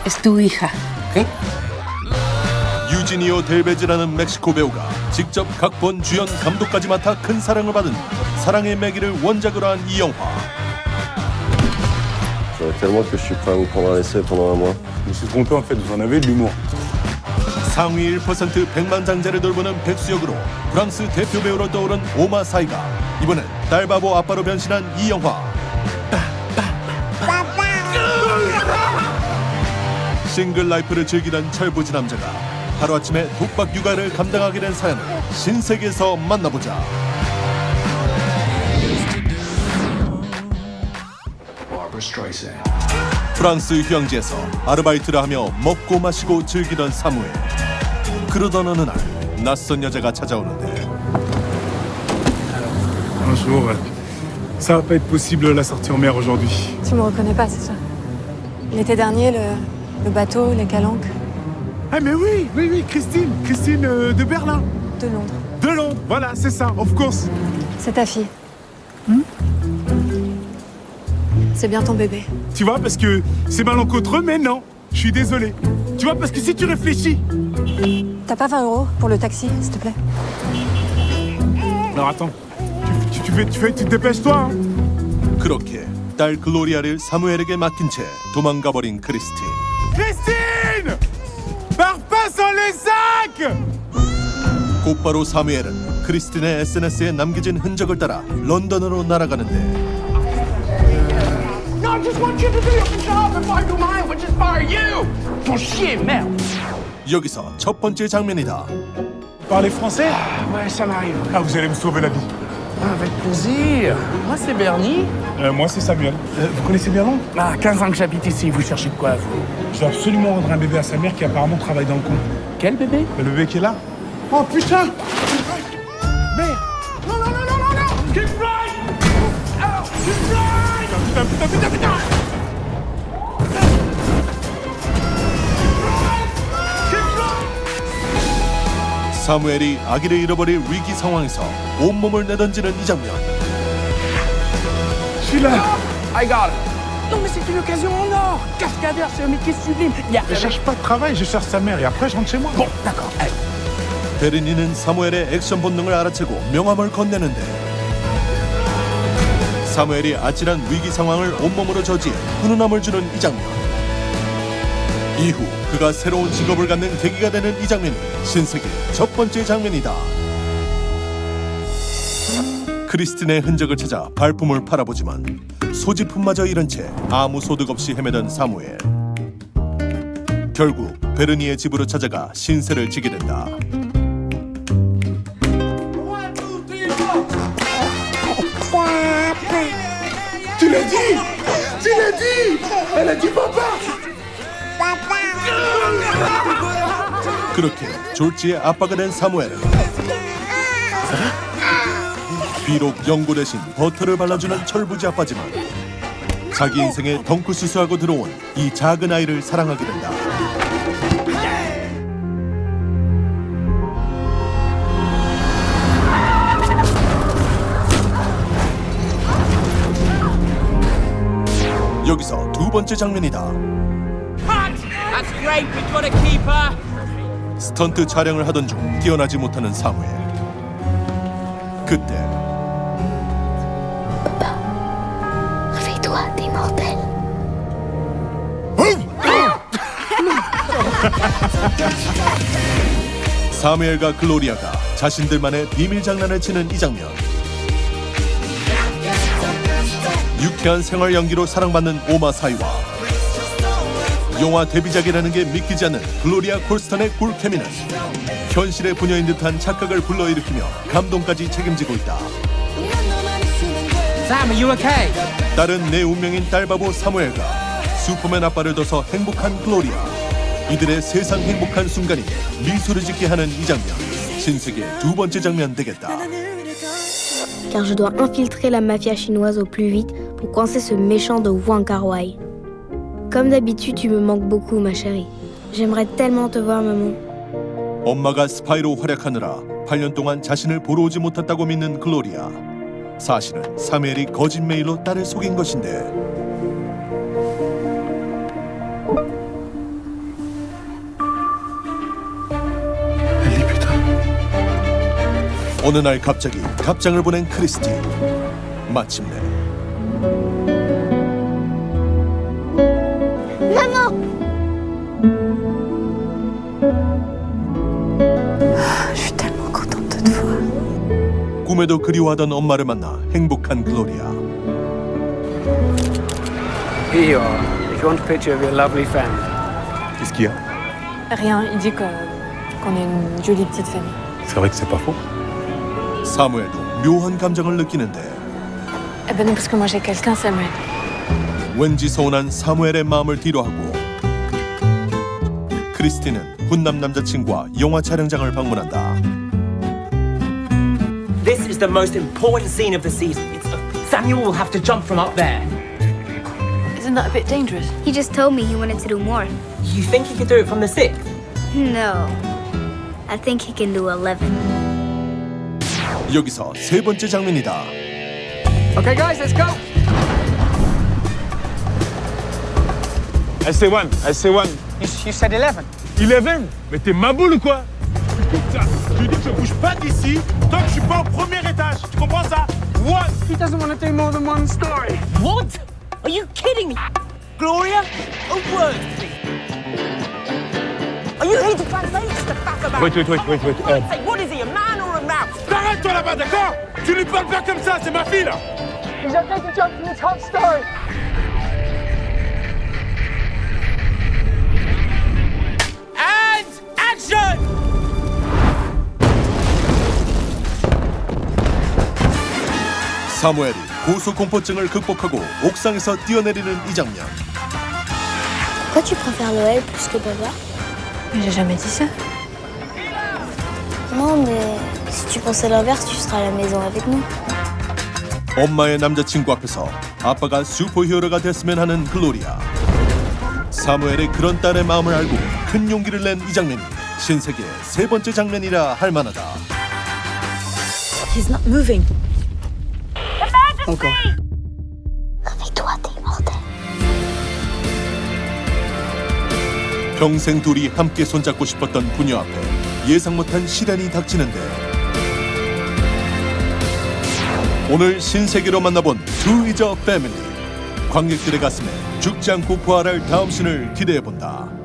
Es tu hija. 유지니오 델베즈라는 멕시코 배우가 직접 각본, 주연, 감독까지 맡아 큰 사랑을 받은 사랑의 매기를 원작으로 한 이 영화. J'aurais tellement que je suis prêt à vous prendre un essai pendant un mois. Je me suis trompé en fait, vous en avez de l'humour. 상위 1% 백만장자를 돌보는 백수역으로 프랑스 대표 배우로 떠오른 오마 사이가 이번엔 딸바보 아빠로 변신한 이 영화. 싱글 라이프를 즐기던 철부지 남자가 하루아침에 독박 육아를 감당하게 된 사연을 신세계에서 만나보자. 프랑스 휴양지에서 아르바이트를 하며 먹고 마시고 즐기던 사무엘. 그러던 어느 날 낯선 여자가 찾아오는데 Bonjour. Ça va pas être possible la sortie en mer aujourd'hui. Tu me reconnais pas, c'est ça? L'été dernier, le bateau, les calanques. Ah mais oui, Christine de Berlin. De Londres. De Londres, voilà, c'est ça, of course. C'est ta fille. C'est bien ton bébé. Tu vois, parce que c'est malencontreux, mais non, je suis désolé. Tu vois, parce que si tu réfléchis... T'as pas 20 € pour le taxi, s'il te plaît? Alors attends, tu dépêches-toi, hein. 그렇게 딸 글로리아를 사무엘에게 맡긴 채 도망가 버린 크리스틴. Christine! Pars pas sans les sacs! 곧바로 사무엘은 크리스틴의 SNS에 남겨진 흔적을 따라 런던으로 날아가는데 No, I just want you to do your job if I do mine, which is fire you! Ton chien, merde! 여기서 첫 번째 장면이다. Parlez français? Ouais, ça m'arrive. Ah, vous allez me sauver la vie. Avec plaisir. Moi, c'est Bernie. Moi, c'est Samuel. Vous connaissez bien Londres? Ah, 15 ans que j'habite ici. Vous cherchez de quoi, vous? Je dois absolument rendre un bébé à sa mère qui apparemment travaille dans le coin. Quel bébé? Le bébé qui est là? Oh putain! Merde! Non, non, non, non, non, non! Keep right! Oh, keep right! Putain! 사무엘이 아기를 잃어버릴 위기 상황에서 온몸을 내던지는 이 장면. Je suis là! I got it. Non, mais c'est une occasion en or. Cascadeur, c'est un métier sublime. Je cherche pas de travail, je cherche sa mère et après je rentre chez moi. Bon, d'accord. Allez. 베르니는 사무엘의 액션 본능을 알아채고 명함을 건네는데 사무엘이 아찔한 위기 상황을 온몸으로 저지해 훈훈함을 주는 이 장면. 이후 그가 새로운 직업을 갖는 계기가 되는 이 장면이 신세계 첫 번째 장면이다. 크리스틴의 흔적을 찾아 발품을 팔아보지만 소지품마저 잃은 채 아무 소득 없이 헤매던 사무엘. 결국 베르니의 집으로 찾아가 신세를 지게 된다. Tu l'as dit! Tu l'as dit! Elle a dit papa! 그렇게 졸지의 아빠가 된 사무엘은 비록 연고 대신 버터를 발라주는 철부지 아빠지만 자기 인생에 덩크수수하고 들어온 이 작은 아이를 사랑하게 된다. 여기서 두 번째 장면이다. That's great, we've got a keeper. 스턴트 촬영을 하던 중 뛰어나지 못하는 사무엘. 그때 Réveille-toi, t'es mortel. 사무엘과 글로리아가 자신들만의 비밀 장난을 치는 이 장면. 유쾌한 생활 연기로 사랑받는 오마 사이와 영화 데뷔작이라는 게 믿기지 않는 글로리아 콜스턴의 굴케미는 현실의 부녀인 듯한 착각을 불러일으키며 감동까지 책임지고 있다. Sam, are you okay? 딸은 내 운명인 딸바보 사무엘과 슈퍼맨 아빠를 둬서 행복한 글로리아. 이들의 세상 행복한 순간이 미소를 짓게 하는 이 장면. 신세계 두 번째 장면 되겠다. Car je dois infiltrer la mafia chinoise au plus vite pour coincer ce méchant de Wang Kar-wai. Comme d'habitude, tu me manques beaucoup, ma chérie. J'aimerais tellement te voir, maman. 엄마가 스파이로 활약하느라 8년 동안 자신을 보러 오지 못했다고 믿는 글로리아. 사실은 사무엘이 거짓 메일로 딸을 속인 것인데 어느 날 갑자기 답장을 보낸 크리스티. 마침내 Je suis tellement contente de te voir. 꿈에도 그리워하던 엄마를 만나 행복한 글로리아. Here you are. If you want a picture of your lovely family. Qu'est-ce qu'il y a? Rien, il dit qu'on est une jolie petite famille. C'est vrai que c'est pas faux. 사무엘도 묘한 감정을 느끼는데 Eh ben non, parce que moi j'ai quelqu'un, Samuel. 왠지 서운한 사무엘의 마음을 뒤로하고 크리스티는 훈남 남자친구와 영화 촬영장을 방문한다. This is the most important scene of the season. Samuel will have to jump from up there. Isn't that a bit dangerous? He just told me he wanted to do more. You think he could do it from the 6th? No. I think he can do 11. 여기서 세 번째 장면이다. Okay, guys, let's go. I say one. You said 11. 11? Mais t'es ma boule ou quoi? Putain, je lui dis que je bouge pas d'ici tant que je suis pas au premier étage. Tu comprends ça? One. He doesn't want to do more than one story. What? Are you kidding me? Gloria? A word, please. Are you here to translate the fact about... Wait. Say, what is he, a man or a mouse? T'arrêtes toi là-bas, d'accord? Tu lui parles pas comme ça, c'est ma fille là. He's okay to jump from the top story. And action! 사무엘이 고소공포증을 극복하고 옥상에서 뛰어내리는 이 장면. Pourquoi tu préfères Noël plus que papa? Mais j'ai jamais dit ça. Non, mais si tu pensais l'inverse, tu seras à la maison avec nous. 엄마의 남자친구 앞에서 아빠가 슈퍼히어로가 됐으면 하는 글로리아. 사무엘의 그런 딸의 마음을 알고 큰 용기를 낸 이 장면이 신세계의 세 번째 장면이라 할 만하다. He's not moving. Réveille-toi, t'es mortel. 평생 둘이 함께 손잡고 싶었던 부녀 앞에 예상 못한 시련이 닥치는데 오늘 신세계로 만나본 Two is a Family. 관객들의 가슴에 죽지 않고 부활할 다음 신을 기대해본다.